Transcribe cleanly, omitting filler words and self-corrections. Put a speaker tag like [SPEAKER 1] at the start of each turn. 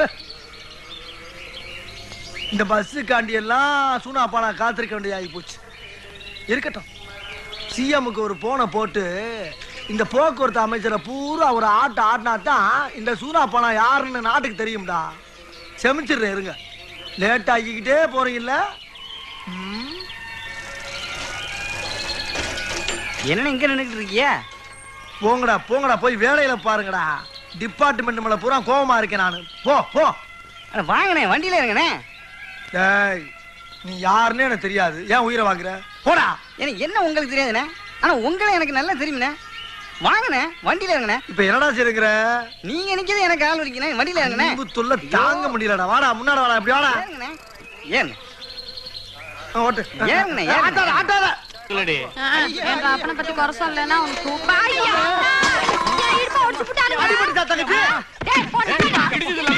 [SPEAKER 1] இந்த பஸ்ஸுக்காண்டி எல்லாம் சூனாப்பா நான் காத்திருக்க வேண்டிய ஆகி போச்சு. இருக்கட்டும், சிஎம்முக்கு ஒரு போனை போட்டு இந்த போக்குவரத்து அமைச்சரை பூரா ஒரு ஆட்டினா தான் இந்த சூனாப்பானா யாருன்னு நாட்டுக்கு தெரியும்டா. செமிச்சிடுறேன், இருங்க. லேட் ஆகிக்கிட்டே போறீங்கல்ல.
[SPEAKER 2] என்ன இங்க நின்னுட்டு இருக்கிய?
[SPEAKER 1] போங்கடா போங்கடா, போய் வேலையில பாருங்கடா. டிபார்ட்மெண்ட் மேல பூரா கோவமா இருக்கேன் நானு. போ போ.
[SPEAKER 2] வாங்கண்ணே, வண்டியில இருங்கண்ணே.
[SPEAKER 1] டேய், நீ யாருன்னு எனக்கு தெரியாது, ஏன் உயிரை வாங்குற? போடா.
[SPEAKER 2] எனக்கு என்ன உங்களுக்கு தெரியாதுண்ணே, ஆனா உங்களை எனக்கு நல்லா தெரியும்ண்ணே. வாங்கண்ணே, வண்டியில இருங்கண்ணே.
[SPEAKER 1] இப்ப என்னடா செய்யுற?
[SPEAKER 2] நீங்க நிக்கிறது எனக்கு கால் வலிக்கண்ணே, வண்டியில இருங்கண்ணே.
[SPEAKER 1] தொல்லை தாங்க முடியலடா. வாடா, முன்னாடி வாடா, இப்படி வாடா.
[SPEAKER 2] ஏறுங்கண்ணே, ஏறுங்க.
[SPEAKER 1] ஓட்டு.
[SPEAKER 2] ஏறுங்கண்ணே,
[SPEAKER 1] ஆட்டாத ஆட்டாத.
[SPEAKER 3] சொல்லுடி.
[SPEAKER 4] எங்க அப்பனை பத்தி குறை சொல்லலைன்னா உனக்கு
[SPEAKER 1] அடிபட்டு தங்கச்சி.